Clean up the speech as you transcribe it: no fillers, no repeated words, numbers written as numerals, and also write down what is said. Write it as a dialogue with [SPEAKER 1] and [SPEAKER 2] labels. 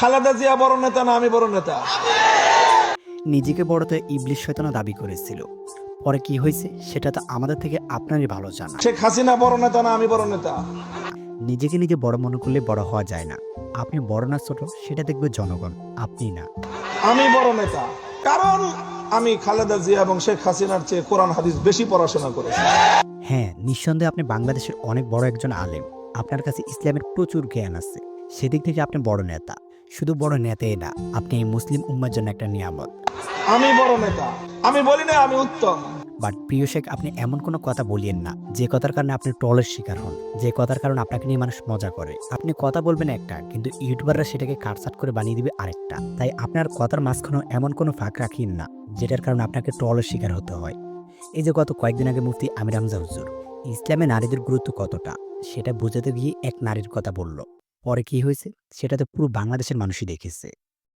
[SPEAKER 1] খালেদা জিয়া বড় নেতা না আমি বড় নেতা?
[SPEAKER 2] নিজেকে বড়তে ইবলিশ শয়তানও দাবি করেছিল। পরে কি হয়েছে সেটা তো আমাদের থেকে আপনারই ভালো জানা।
[SPEAKER 1] শেখ হাসিনা বড় নেতা না আমি বড় নেতা?
[SPEAKER 2] নিজেকে নিজে বড় মনে করলে বড় হওয়া যায় না। আপনি বড় না ছোট সেটা দেখবে জনগণ, আপনি না।
[SPEAKER 1] আমি বড় নেতা কারণ আমি খালেদা জিয়া এবং শেখ হাসিনার চেয়ে কোরআন হাদিস বেশি পড়াশোনা করেছি।
[SPEAKER 2] হ্যাঁ, নিঃসন্দেহে আপনি বাংলাদেশের অনেক বড় একজন আলেম। আপনার কাছে ইসলামের প্রচুর জ্ঞান আছে। সেদিক থেকে আপনি বড় নেতা। শুধু বড় নেতাই না, আপনি এই মুসলিম উম্মার জন্য একটা নিয়ামত।
[SPEAKER 1] আমি বড় নেতা, আমি বলি না আমি উত্তম।
[SPEAKER 2] বাট প্রিয় শেখ, আপনি এমন কোনো কথা বলিয়েন না যে কথার কারণে আপনি ট্রলের শিকার হন, যে কথার কারণে আপনাকে নিয়ে মানুষ মজা করে। আপনি কথা বলবেন একটা, কিন্তু ইউটিউবাররা সেটাকে কাটছাট করে বানিয়ে দিবে আরেকটা। তাই আপনার কথার মাঝখানেও এমন কোনো ফাঁক রাখিন না যেটার কারণে আপনাকে ট্রলের শিকার হতে হয়। এই যে গত কয়েকদিন আগে মুফতি আমির হামজা হুজুর ইসলামে নারীদের গুরুত্ব কতটা সেটা বোঝাতে গিয়ে এক নারীর কথা বলল। পরে কি হয়েছে সেটা তো পুরো বাংলাদেশের মানুষই দেখেছে।